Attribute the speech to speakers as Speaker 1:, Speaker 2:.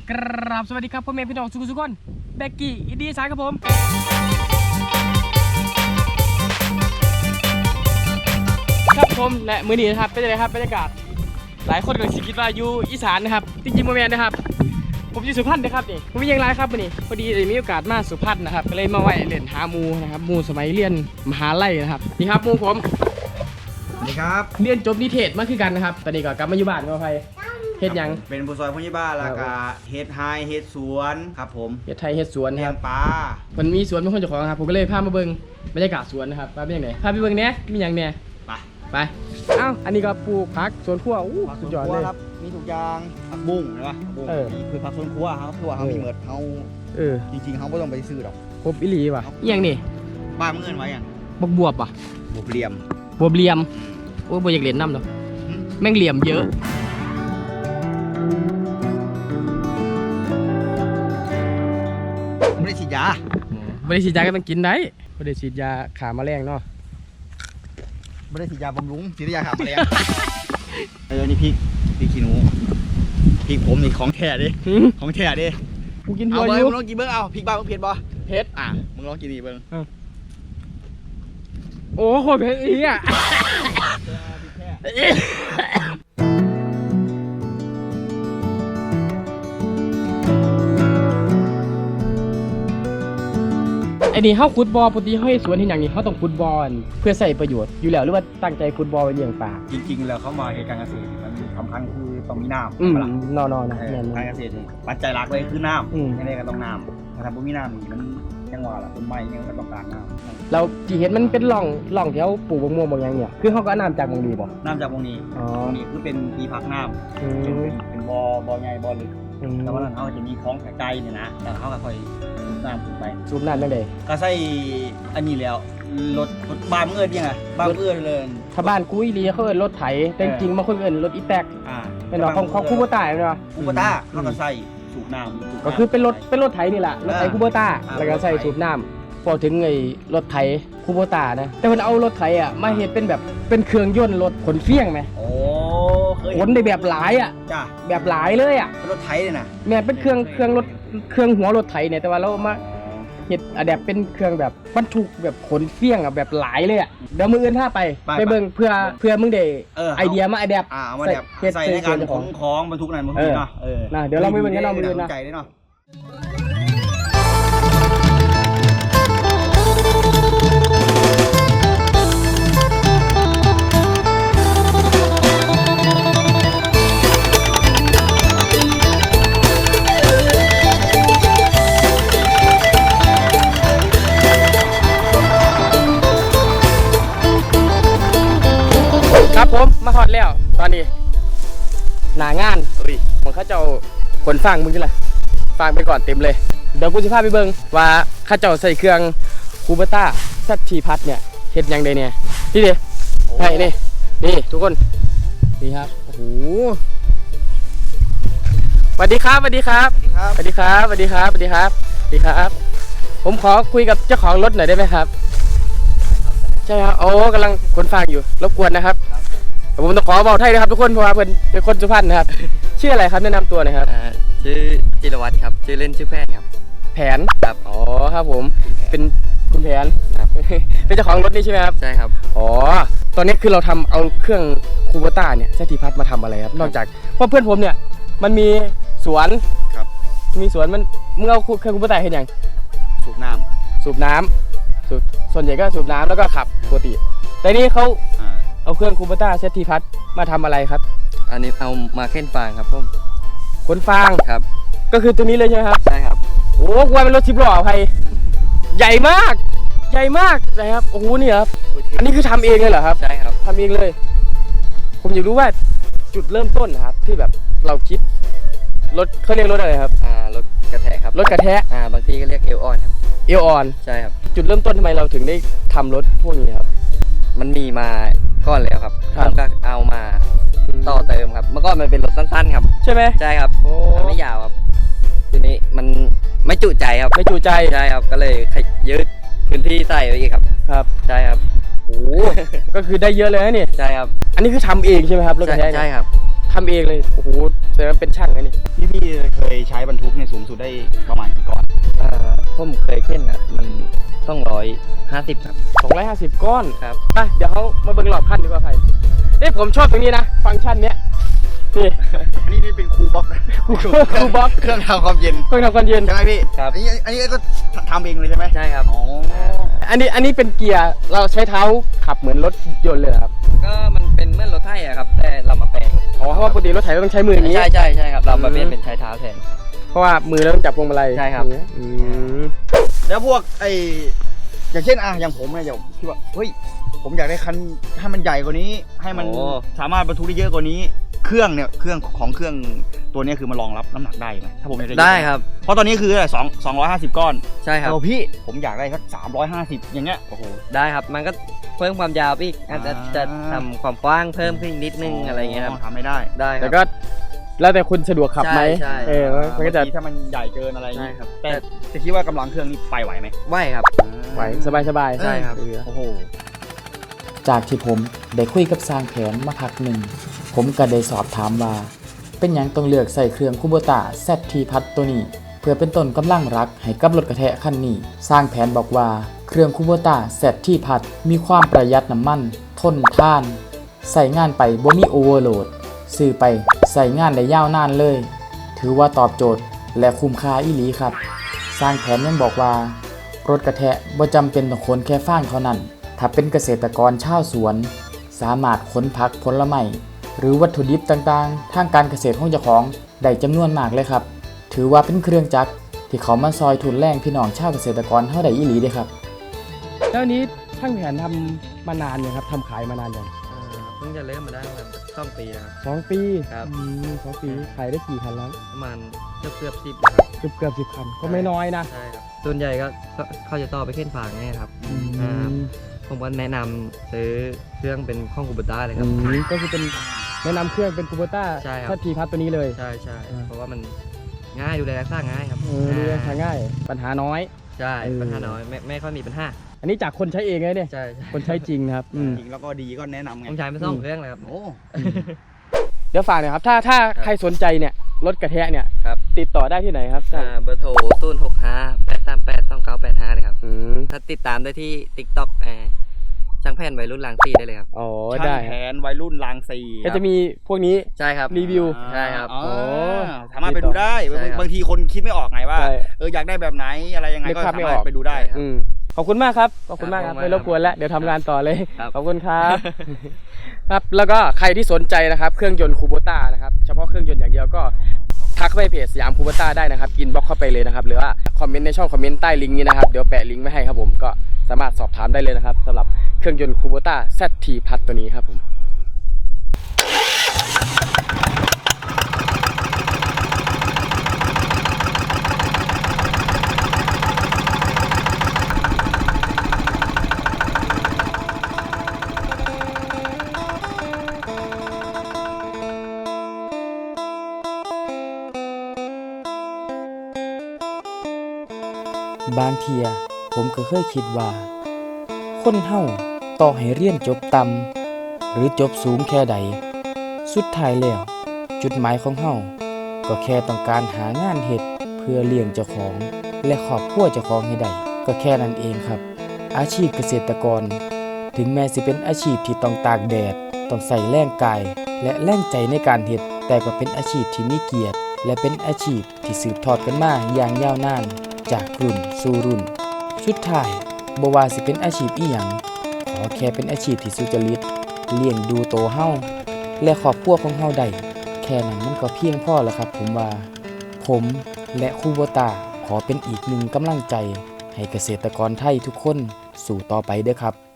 Speaker 1: กราบสวัสดีครับพ่อแม่พี่น้องทุกคนเบกกี้อินดี้สายครับผมครับผมและมื้อนี้นะครับเป็นยังไงครับบรรยากาศหลายคนก็คิดว่าอยู่อีสานนะครับจริงๆโมเมนต์นะครับผมอยู่สุพรรณนะครับนี่ผมมีอย่างไรครับวันนี้พอดีได้มีโอกาสมาสุพรรณนะครับก็เลยมาไหว้เล่นหาหมูนะครับหมูสมัยเรียนมหาลัยนะครับนี่ครับหมูผม
Speaker 2: สวัสดีครับ
Speaker 1: เรียนจบนิเทศมาคือกันนะครับตอนนี้ก็กลับมาอยู่บ้านกับใครเฮ็ดยัง
Speaker 2: เป็นผู้ซอยผู้ใหญ่บ้านแล้วก็เฮ็ดไฮเฮ็ดสวนครับผม
Speaker 1: เฮ็ดไทยเฮ็ดสวน
Speaker 2: เลี้ยงปลา
Speaker 1: มันมีสวนเป็นคนเจ้าของครับผมก็เลยพามาเบิ่งบรรยากาศสวนนะครับว่าเป็นยังไงพาไปเบิ่งเนี้ยมีอย่างเนี้ยไปเอ้าอันนี้ก็ปลูกผักสวนครัวสุดยอดเลย
Speaker 2: ครับมีทุกอย่างผักบุ้งใช่ปะผักบุ้งมีคือผักสวนครัวครับคือว่าเขามีเหมือนเขาจริงๆเขาไม่ต้องไปซื้อหรอก
Speaker 1: ครบอิลีว่ะอย่างนี้
Speaker 2: บ้านเงินไว้อย่าง
Speaker 1: บวบป่ะ
Speaker 2: บวบเหลี่ยม
Speaker 1: โอ้ยบวอยากเล่นน้ำเนาะแม่งเหลี่ยมเยอะ
Speaker 2: ไม่ได้ฉีดยา
Speaker 1: ก็ต้องกินได้ไม่ได้ฉีดยาขาแมลงเนาะ
Speaker 2: ไม่ได้ฉีดยาบำรุงฉีดยาขาแมลงนี่พริกขี้หนูพริกผมนี่ของแท้ดิของแท้ดิ
Speaker 1: กูกิน
Speaker 2: เอาเลยมึงลองกินเบิ้งเอาพริกบ้ามึงเผ็ดบ่
Speaker 1: เผ็ด
Speaker 2: มึงลองกินนี่เบิ้ง
Speaker 1: โอ้โหเผ็ดอีอ่ะไอ้นี่เขาขุดบอลปกติเขาให้สวนที่อย่างนี้เขาต้องขุดบอลเพื่อใส่ประโยชน์อยู่แล้วหรือว่าตั้งใจขุดบอลไปเลี้ยงปลา
Speaker 2: จริงๆแล้วเขามาการเกษตรมันสำคัญคือต้องมีน้ำ
Speaker 1: นอนนะ
Speaker 2: การเกษตรปัจจัยหลักเลยคือน้ำยังไงก็ต้องน้ำถ้าทำบ่มีน้ำนี่มันยังว่าล่ะต้นไม้ยังก็ต้องการน้ำ
Speaker 1: เราที่เห็นมันเป็นร่องที่เขาปลูกมะม่วงบางอย่างเนี่ยคือเขาก็น้ำจากบางดีบ่
Speaker 2: น้ำจากบางนี้คือเป็นที่พักน้ำเป็นบ่อใหญ่บ่อลึกแต่ว่าเขาจะมีคลองไกลเนี่ยนะแล้วเขาก็ค่อยน้ำขึ้นไป
Speaker 1: สูบน้ำยังไง
Speaker 2: ก็ใส่อันนี้แล้วรถบ้านเอื้อนยังไงบ้านเอื้อนเลย
Speaker 1: ถ้าบ้านกุ้ยลีเขาเอิ้นรถไถแต่จริงๆบางคนเอิ้นรถอีแตกเป็นของคูโบต้าเนาะ
Speaker 2: คูโบต้าเขาก็ใส่สูบน้ำ
Speaker 1: ก็คือเป็นรถไถนี่แหละรถไถคูโบต้าแล้วก็ใส่สูบน้ำพอถึงไอ้รถไถคูโบต้านะแต่มันเอารถไถอ่ะมาเห็นเป็นแบบเป็นเครื่องยนต์รถขนเฟี้ยงไหมขนได้แบบหลายอ่ะแบบหลายเลยอ่ะ
Speaker 2: รถไถเนี่ยนะ
Speaker 1: เนี่ยเป็นเครื่องหัวรถไถเนี่ยแต่ว่าเรามาเห็ดอะแดปเป็นเครื่องแบบบรรทุกแบบขนเฟี้ยงอ่ะแบบหลายเลยอ่ะเดี๋ยวมืออื่นถ้าไปเบิ่งเพื่อมึงได้ไอเดียมาอะแดป
Speaker 2: ใส่ในการขนของบรรทุกนั่นบรรทุกเนาะ
Speaker 1: นะเดี๋ยวเราไม่เบิ่งกันเรามืออื่นนะครับผมมาฮอดแล้วตอนนี้หนางานของข้าเจ้าขนฟางมึงกันละฟางไปก่อนเต็มเลยเดี๋ยวกูจะพาไปเบิ่งว่าข้าเจ้าใส่เครื่องคูเบต้าซัตทีพัทเนี่ยเฮ็ดยังไงเนี่ยนี่ดิไปนี่ทุกคนนี่ครับโอ้โหสวัสดีครับผมขอคุยกับเจ้าของรถหน่อยได้ไหมครับใช่ครับโอ้กำลังขนฟางอยู่รบกวนนะครับผมต้องขอบอกไทยนะครับทุกคนเพราะว่าเพื่อนเป็นคนสุพรรณนะครับชื่ออะไรครับแนะนำตัวหน่อยครับ
Speaker 3: ชื่อจิรวัตรครับชื่อเล่นชื่อแพนครับ
Speaker 1: แผนครับอ๋อครับผมเป็นคุณแผนครับเป็นเจ้าของรถนี่ใช่ไหมครับ
Speaker 3: ใช่ครับ
Speaker 1: อ๋อตอนนี้คือเราทำเอาเครื่องคูโบต้าเนี่ยเซติพัทมาทำอะไรครับนอกจากเพราะเพื่อนผมเนี่ยมันมีสวน
Speaker 2: ครับ
Speaker 1: มีสวนมันมึงเอาเครื่องคูโบต้าเห็นยัง
Speaker 2: สูบน้ำ
Speaker 1: ส่วนใหญ่ก็สูบน้ำแล้วก็ขับปกติแต่นี่เขาเอาเครื่องคูเบต้าเซตทีพัทมาทำอะไรครับ
Speaker 3: อันนี้เอามาเค้นฟางครับผม
Speaker 1: ขนฟาง
Speaker 3: ครับ
Speaker 1: ก็คือตัวนี้เลยใช่ไหมครับ
Speaker 3: ใช่ครับ
Speaker 1: โอ้กว่าเป็นรถ10 ล้อไทยใหญ่มากนะครับโอ้โหนี่ครับอันนี้คือทำเองเลยเหรอครับ
Speaker 3: ใช่ครับ
Speaker 1: ทำเองเลยผมอยากรู้ว่าจุดเริ่มต้นนะครับที่แบบเราคิดรถเขาเรียกรถอะไรครับ
Speaker 3: รถกระแทกครับ
Speaker 1: รถกระแทก
Speaker 3: บางทีก็เรียกเอลออนครับ
Speaker 1: เอลออน
Speaker 3: ใช่ครับ
Speaker 1: จุดเริ่มต้นทำไมเราถึงได้ทำรถพวกนี้ครับ
Speaker 3: มันมีมาก่อนแล้วครับผมก็เอามาต่อเติมครับเมื่อก่อนมันเป็นรถสั้นๆครับ
Speaker 1: ใช่ไหม
Speaker 3: ใช่ครับมันไม่ยาวครับทีนี้มันไม่จุใจครับ
Speaker 1: ไม่จุใจ
Speaker 3: ใช่ครับก็เลยยืดพื้นที่ใส่ไปอีกครับใช่ครับ
Speaker 1: โอ้ก็คือได้เยอะเลยนะนี่
Speaker 3: ใช่ครับ
Speaker 1: อันนี้คือทำเองใช่ไหมครับรถกระแทก
Speaker 3: ใช่ครับ
Speaker 1: ททำเองเลยโอ้โหแสดงว่าเป็นช่างนะนี่
Speaker 2: พี่เคยใช้บรรทุกเนี่ยสูงสุดได้ประมาณกี่ก้อน
Speaker 3: ผมเคยเข็นอ่ะมันต้อง150ครับ
Speaker 1: 250 ก้อน
Speaker 3: ครับ
Speaker 1: ไปเดี๋ยวเขามาเบิ่งรอบคันดีกว่าไผ่ผมชอบตรงนี้นะฟังก์ชันเนี้ยนี่
Speaker 2: อันนี้เป็นคูลบ็อก
Speaker 1: คูลบ็อก
Speaker 2: เครื่องทำความเย็น
Speaker 1: เครื่องทำความเย็น
Speaker 2: ใช่ไหมพี่
Speaker 3: ครับ
Speaker 2: อันนี้ก็ทำเองเลยใช่ไหม
Speaker 3: ใช่ครับ
Speaker 2: อ๋อ
Speaker 1: อันนี้เป็นเกียร์เราใช้เท้าขับเหมือนรถยนต์เลยเหรอครับ
Speaker 3: ก็มันเป็นเหมื่อนรถไถอะครับแต่เรามาแปลง
Speaker 1: อ๋อเพราะว่าปกติรถไถต้องใช้มืออย่างนี้
Speaker 3: ใช่ครับเรามาเปลี่ยนเป็นใช้เท้าแทน
Speaker 1: เพราะว่ามือเราต้องจับพวงมาลัย
Speaker 3: ใช่ครับ
Speaker 1: อืม
Speaker 2: แล้วพวกอย่างเช่นอย่างผมเนี่ยอย่างคิดว่าเฮ้ยผมอยากได้คันให้มันใหญ่กว่านี้ ให้มัน
Speaker 3: โอ้
Speaker 2: สามารถบรรทุกได้เยอะกว่านี้ เครื่องตัวเนี้ยคือมันรองรับน้ำหนักได้ไหมถ้าผมอยากได้
Speaker 3: ได้ครับ
Speaker 2: เพราะตอนนี้คือ250 ก้อน
Speaker 3: ใช่ครับ
Speaker 2: เอาพี่ผมอยากได้สัก350อย่างเงี้ยโอ้โห
Speaker 3: ได้ครับมันก็เพิ่มความยาวไปอีกอาจจะทำความกว้างเพิ่มขึ้นอีกนิดนึงอะไรเงี้ยครับ
Speaker 2: ทำไม่ได้
Speaker 3: ได้ค
Speaker 1: แต่
Speaker 3: รับ
Speaker 1: ก็แล้วแต่คุณสะดวกขับไหม
Speaker 3: ใช่
Speaker 1: มันก็จะ
Speaker 2: บางทีถ้ามันใหญ่เกินอะไรอย่าง
Speaker 3: ใช่
Speaker 2: งี้
Speaker 3: ครับ
Speaker 2: แต่จะคิดว่ากำลังเครื่องนี่ไปไหวไหม
Speaker 3: ไหวครับ
Speaker 1: ไหวสบาย
Speaker 3: ใช่ครับ
Speaker 2: โอ้โห
Speaker 4: จากที่ผมได้คุยกับสร้างแผนมาพักหนึ่ง ผมก็ได้สอบถามว่า เป็นหยังต้องเลือกใส่เครื่องคูโบต้า ZT พัดตัวนี้ เพื่อเป็นต้นกำลังรักให้กับรถกระแทะคันนี้ สร้างแผนบอกว่าเครื่องคูโบต้า ZT พัดมีความประหยัดน้ำมัน ทนทาน ใส่งานไปบ่มีโอเวอร์โหลด ซื้อไปใส่งานได้ยาวนานเลย ถือว่าตอบโจทย์และคุ้มค่าอีหลีครับ สร้างแผนยังบอกว่า รถกระแทะบ่จำเป็นต้องขนแค่ฟางเท่านั้น ถ้าเป็นเกษตรกรชาวสวน สามารถขนผักผลไม้หรือวัตถุดิบต่างๆ ทางการเกษตรของเจ้าของได้จำนวนมากเลยครับ ถือว่าเป็นเครื่องจักรที่เขามาซอยทุนแรงพี่น้องชาวเกษตรกรเท่าใดอีหลีเด้ครับ
Speaker 1: แล้วอันนี้ช่างแผนทำมานานยังครับทำขายมานานยัง
Speaker 3: เพิ่งจะเริ่มมาได้ประมาณ2 ปีนะครับ
Speaker 1: 2 ปี
Speaker 3: ครับ
Speaker 1: 2 ปีขายได้กี่คันแล้ว
Speaker 3: ประมาณเกือบ10นะครับ
Speaker 1: เกือบ10 คันก็ไม่น้อยนะ
Speaker 3: ใช่ครับส่วนใหญ่ก็เขาจะต่อไปเข็นฝางเนี่ยครับ ผมก็แนะนำซื้อเครื่องเป็นข้องคูเบต้าเลยครับ
Speaker 1: ก็คือเป็นแนะนำเครื่องเป็นคูโบต้า
Speaker 3: ใช่ครับ
Speaker 1: ถ้าทีพัดตัวนี้เลย
Speaker 3: ใช่เพราะว่ามันง่ายดูแลรักษาง่ายครับ
Speaker 1: ดูแลทางง่ายปัญหาน้อย
Speaker 3: ใช่
Speaker 1: เออ
Speaker 3: ปัญหาน้อยไม่ค่อยมีปัญหา
Speaker 1: อันนี้จากคนใช้เองเลยเนี่ย
Speaker 3: ใช่
Speaker 1: คนใช้จริงนะครับ
Speaker 2: จริงแล้วก็ดีก็แนะนำไง
Speaker 3: ผมใช้ไป2 เครื่องเลยครับ
Speaker 2: โอ้
Speaker 1: เดี๋ยวฝากหน่อยครับถ้าใครสนใจเนี่ยรถกระแทะเนี่ย
Speaker 3: ครับ
Speaker 1: ติดต่อได้ที่ไหนครับ
Speaker 3: เบอร์โทร065-838-2985เลยครับ
Speaker 1: อืม
Speaker 3: ถ้าติดตามได้ที่ TikTok ช่างแผ่นวัยรุ่นลางซีได้เลยครับ
Speaker 1: อ๋อ
Speaker 2: ช่าง
Speaker 1: ได้
Speaker 2: แผนวัยรุ่นรางซี
Speaker 1: ก็จะมีพวกนี้
Speaker 3: ใช่ครับ
Speaker 1: รีวิว
Speaker 3: ใช่ครับ
Speaker 2: อ๋อ
Speaker 1: โอ้
Speaker 2: สามารถไปดูได้
Speaker 3: ใช่ครับ
Speaker 2: บางทีคนคิดไม่ออกไงว่า
Speaker 1: ใช่
Speaker 2: อยากได้แบบไหนอะไรยังไง
Speaker 1: นึก
Speaker 2: ก็
Speaker 1: ภาพ
Speaker 2: สา
Speaker 1: ไม่
Speaker 2: มาร
Speaker 1: อ
Speaker 2: ถ
Speaker 1: อก
Speaker 2: ไปดูได้
Speaker 1: อืมขอบคุณมากครับขอบคุณมากครับ
Speaker 3: ครับ
Speaker 1: ไม่รบกวนแล้วเดี๋ยวทำงานต่อเลย
Speaker 3: ครับ
Speaker 1: ขอบคุณครับ ครับแล้วก็ใครที่สนใจนะครับเครื่องยนต์คูโบต้านะครับเฉพาะเครื่องยนต์อย่างเดียวก็ทักเข้าไปเพจสยามคูโบต้าได้นะครับอินบ็อกเข้าไปเลยนะครับหรือว่าคอมเมนต์ในช่องคอมเมนต์ใต้ลิงก์นี้นะครับเดี๋ยวแปะลิงก์ไว้ให้ครับผมก็สามารถสอบถามได้เลยนะครับสำหรับเครื่องยนต์คูโบต้า ZT พัดตัวนี้ครับผม
Speaker 4: บางเทียผมก็เคยคิดว่า คนเฮาต่อให้เรียนจบต่ำหรือจบสูงแค่ใด สุดท้ายแล้ว จุดหมายของเฮาก็แค่ต้องการหางานเฮ็ดเพื่อเลี้ยงเจ้าของ และครอบครัวเจ้าของให้ได้ก็แค่นั้นเองครับ อาชีพเกษตรกร ถึงแม้สิเป็นอาชีพที่ต้องตากแดด ต้องใส่แรงกาย และแรงใจในการเฮ็ด แต่ก็เป็นอาชีพที่มีเกียรติ และเป็นอาชีพที่สืบทอดกันมาอย่างยาวนาน จากรุ่นสู่รุ่น สุดท้ายบ่ว่าสิเป็นอาชีพอีหยังขอแค่เป็นอาชีพที่สุจริตเลี้ยงดูโตเฮาและครอบครัวของเฮาได้แค่นั้นมันก็เพียงพอแล้วครับผมว่า ผมและคูโบตาขอเป็นอีกหนึ่งกำลังใจให้เกษตรกรไทยทุกคนสู่ต่อไปเด้อครับ